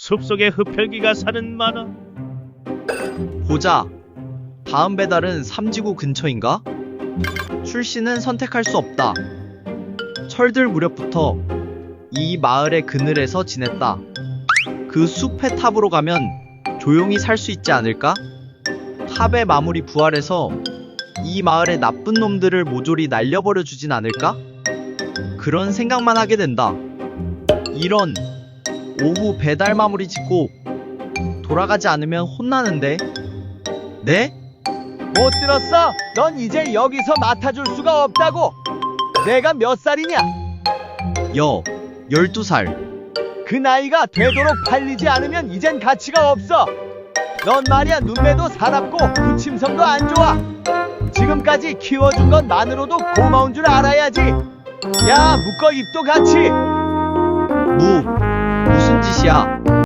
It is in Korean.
숲속에 흡혈귀가 사는 만화. 보자. 다음 배달은 삼지구 근처인가? 출신은 선택할 수 없다. 철들 무렵부터 이 마을의 그늘에서 지냈다. 그 숲의 탑으로 가면 조용히 살 수 있지 않을까? 탑의 마물이 부활해서 이 마을의 나쁜 놈들을 모조리 날려버려 주진 않을까? 그런 생각만 하게 된다. 이런, 오후 배달 마무리 짓고 돌아가지 않으면 혼나는데? 네? 못 들었어? 넌 이제 여기서 맡아줄 수가 없다고. 내가 몇 살이냐? 12살. 그 나이가 되도록 팔리지 않으면 이젠 가치가 없어. 넌 말이야 눈매도 사납고 부침성도 안 좋아. 지금까지 키워준 것만으로도 고마운 줄 알아야지. 야 묶어 입도 같이. 무슨 짓이야?